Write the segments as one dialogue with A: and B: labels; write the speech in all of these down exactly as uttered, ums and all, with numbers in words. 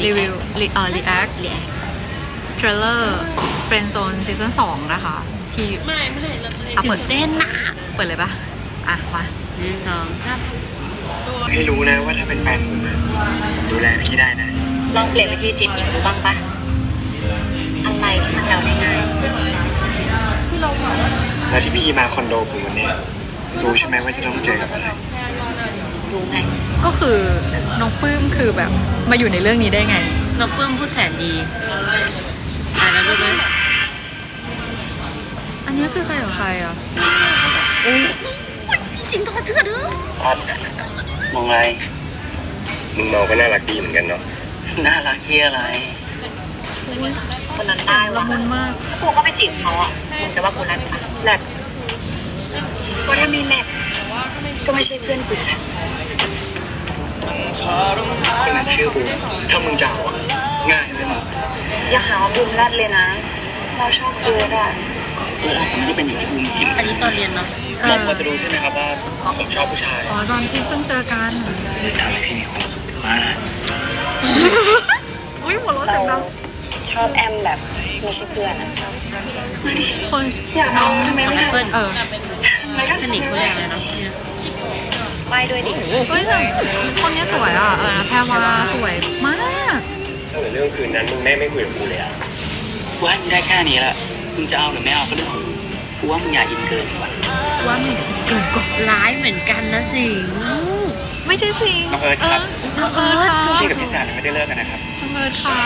A: รีวิวรีเอ่อรีแอคเทรลเลอร์เฟรนด์โซนซีซั่นสองนะคะที่ไม่ไม่เราเปิดเต้นนะเปิดเลยปะอ่ะมาหนึ่งสองสาม
B: ให้รู้นะว่าถ้าเป็นแฟนผมดูแลพี่ได้นะ
C: ลองเปลี่ยนวิธีจีบหญิงดูบ้างปะอะไรที่มันเดาได้ง่าย
B: แล้วที่พี่มาคอนโดผมวันนี้รู้ใช่ไหมว่าจะต้องเจอกับอะไร
C: รู้ไง
A: ก็คือน้องปื้มคือแบบมาอยู่ในเรื่องนี้ได้ไง
C: น้องปื้มพูดแสนดีอ่านแล้วรู้ไหม
A: อันนี้คือใครกับใครอ่ะ
C: โอ้ยพี่สิงห์ทอดเถื่อนเด้อ
B: มองอะไรมึงมองก็น่ารักดีเหมือนกันเนาะน่ารักที่อะไร
C: คนนั้นได้
A: ละมุนมาก
C: กูก็ไปจีบเขาอ่ะมึงจะว่ากูแรดปะแรดว่าถ้าไม่แรดก็ไม่ใช่เพื่อนกูจ้ะ
B: คนนั้นชื่อบูถ้ามึงจะเอาง่ายเลยมั้ง
C: อย่าหาว่าบูมแรดเลยนะเราชอบเอิร์ดอ่ะ
B: เออสมมติจะเป็นอย่างที่บูมคิด
C: อันนี้ตอนเรียนเนาะ
B: เราพอจะรู้ใช่ไหมครับว่าผมชอบผู้ชาย
A: อ๋อตอนที่เพิ่งเจอกัน
B: ทำให้พี่มีความสุขมาก
A: อุ้ยหัวเราะเสียงดัง
C: ชอบแอมแบบไม่ใช่เพื่อนอ่ะ
A: มาดิคน
C: อยากเอาทำไมไม่ทำ
A: เพื่อนเออ
C: สนิทคนแรกเลยเนาะไปด้วยดิ
A: เฮ้ยแต่คนนี้สวยอ่ะเออแพรวาสวยมาก
B: ถ้าเหมือนเรื่องคืนนั้นมึงแม่ไม่คุยกับกูเลยอ่ะกูให้มึงได้แค่นี้แหละมึงจะเอาหรือไม่เอาก็เรื่องของมึงกูว่ามึงอย่าอินเกินดีกว่า
A: ว่ามึงเกินกว่า
C: ร้ายเหมือนกันนะสิ
A: ไม่ใช่สิ
B: น้องเอิร์ธครับ
A: น้องเอิร์ธค่ะ
B: พี่กับพี่สาวไม่ได้เลิกกันนะครับ
A: น้องเอิร์ธค่ะ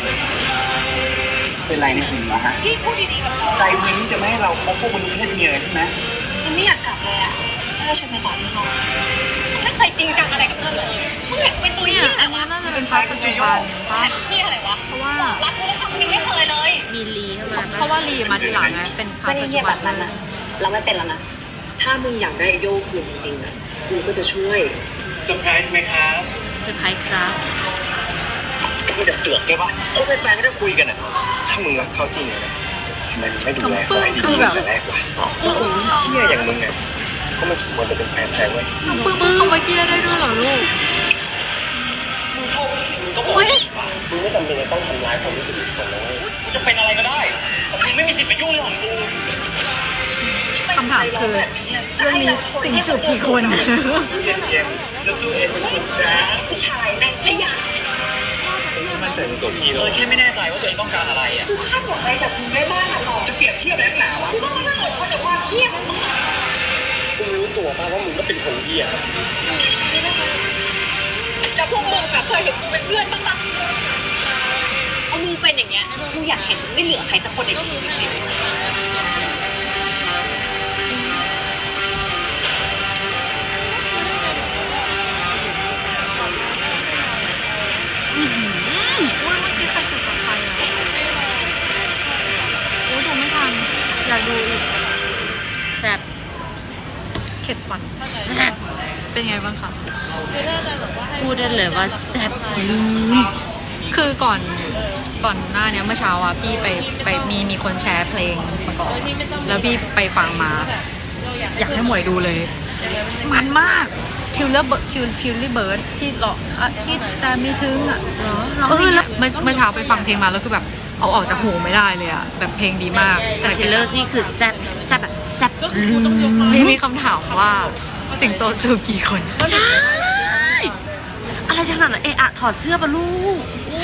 B: เป็นไรในหุ่นวะฮะ
C: พี่พูดดีๆกับเรา
B: ใจมึงนี่จะไม่ให้เราคบพวกมันเพศเมียใช่ไหม
C: มันไม่อยากกลับเลยอ่ะไม่ได้ชวนไปต่อที่ห้องไม่เคยจริงจังอะไรกับเธอเลยมึงเห็นกูเป็นตัวยี่
A: อันนี้น่าจะเป็นพาร์ทปัจจุบัน
C: ป่ะพี่อะไรวะ
A: เพราะว่า
C: รักกูแล้วทำมึงไม่เคยเลยมีลีเข้ามา
A: เพราะว่าลีมาทีหลังไงเป็นพาร์ทปัจจุบัน
C: นั่นนะเราไม่เป็นแล้วนะถ้ามึงอยากได้โย่คืนจริงๆอ่ะกูก็จะช่วย
B: เซอร์ไพรส์ไหมครับ
C: เซอร์ไพรส์ครับ
B: มึงจะเสือกแกปะเขาเป็นแฟนก็จะคุยกันอ่ะถ้ามึงรักเขาจริงเลยทำไมมึงไม่ดูแลเขาให้ดีๆแต่แรกวะแล้วคนเหี้ยอย่างมึงเนี่ยก็ไม่สมควรจะเป็นแฟนใครเว้ย
A: น้องปื้มมึงเขามาเหี้ยได้ด้วยเหรอลูก
B: มึงชอบมึงก็บอกมึงไม่จำเป็นจะต้องทำร้ายความรู้สึกของคนนะกูจะเป็นอะไรก็ได้มึงไม่มีสิทธิ์ไปยุ่งเรื่องของกู
A: คำถามคือเรื่องนี้สิ่งจูบกี่คน
B: เย็นๆจะสู้เองเป็นคนจ้า
C: ผู้ชายแม่งขยะ
B: มั่นใจในตัวพี่เลยแค่ไม่แน่ใจว่าตัวเองต้องการอะไรอ่ะ
C: กูคาดหวังอะไรจากมึงได้บ้างอ่ะต่อ
B: จะเปรียบเทียบแบบหนาวะ
C: กูต้องมานั่งอดทนกับความเหี้ยของมึง
B: กูรู้ตัวป่ะว่ามึงก็เป็นคนเหี้ย
C: แล้วพวกมึงอะเคยเห็นกูเป็นเพื่อนบ้างปะเอามึงเป็นอย่างเงี้ยมึงอยากเห็นมึงไม่เหลือใครสักคนในชีวิตจริง
A: อุ้ยเมื่อกี้ใครจูบกับใครอ่ะโอ้ยดูไม่ทันอยากดูอีก
C: แซ่บ
A: เข็ดฟันแซ่บเป็นไงบ้างคะ
C: พูดได้เลยว่าแซ่บลืม
A: คือก่อนก่อนหน้านี้เมื่อเช้าอ่ะพี่ไปไปมีมีคนแชร์เพลงมาก่อนแล้วพี่ไปฟังมาอยากให้หมวยดูเลยมันมากทิวเลอร์เบิร์ดทิวทิวลี่เบิร์ดที่หลอกคิดแต่ไม่ถึงอ่ะเออแล้วเมื่อเมื่อเช้าไปฟังเพลงมาแล้วคือแบบเอาออกจากหูไม่ได้เลยอ่ะแบบเพลงดีมาก
C: แต่ทิวเลอร์นี่คือแซ่บแซ่บแบบแซ่บลืม
A: ไม่มีคำถามว่าสิงโตจูบกี่คน
C: ใช่อะไรขนาดนั้นเอะอะถอดเสื้อปะลูก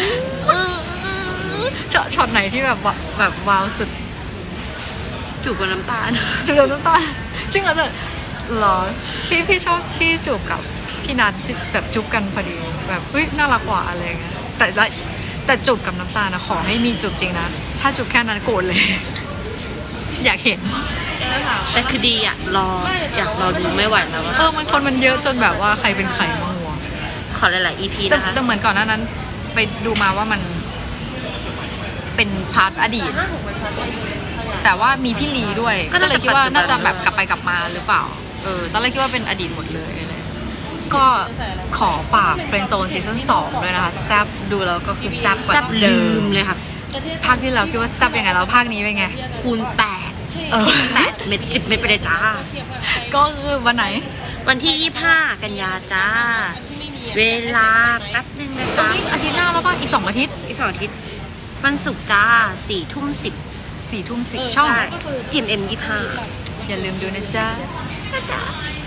A: ช็อตช็อตไหนที่แบบแบบว้าวสุด
C: จูบกับน้ำตาล
A: จูบกับน้ำตาลจริงเหรอเนี่ยหรอพี่พี่ชอบที่จูบกับพี่นัทแบบจูบกันพอดีแบบเฮ้ยน่ารักกว่าอะไรเงี้ยแต่แต่จูบกับน้ำตาลนะขอให้มีจูบจริงนะถ้าจูบแค่นั้นโกรธเลยอยากเห็น
C: แต่คือดีอยากรออยากรอดูไม่ไหวแล้ว
A: เออมันคนมันเยอะจนแบบว่าใครเป็นใครมาหัว
C: ขอหลายๆ อี พี นะคะ
A: แต่เหมือนก่อนหน้านั้นไปดูมาว่ามันเป็นพาร์ทอดีตแต่ว่ามีพี่ลีด้วยก็เลยคิดว่าน่าจะแบบกลับไปกลับมาหรือเปล่าเออตอนแรกคิดว่าเป็นอดีตหมดเลยอะไรก็ขอฝากเฟรนด์โซนซีซั่นสองด้วยนะคะแซ่บดูแล้วก็คือแซ่บ
C: แซ่บลืมเลยค่ะ
A: ภาคที่เราคิดว่าแซ่บยังไงแล้วภาคนี้เป็นไง
C: คูณแปด
A: เออ
C: แปดเม็ดสิบเม็ดไปเลยจ้า
A: ก็คือวันไหน
C: วันที่ยี่สิบห้ากันยาจ้าเวลาแป๊บนึง
D: นะคะ
A: อาทิตย์หน้าแล้วป่ะ อีกสองอาทิตย์
D: อีกสองอาทิตย์วันศุกร์จ้าสี่ทุ่มสิบ
A: สี่ทุ่มสิบช่อง
D: จีเอ็มเอ็มยี่ห้า
A: อย่าลืมดูนะจ๊ะ
D: จ้า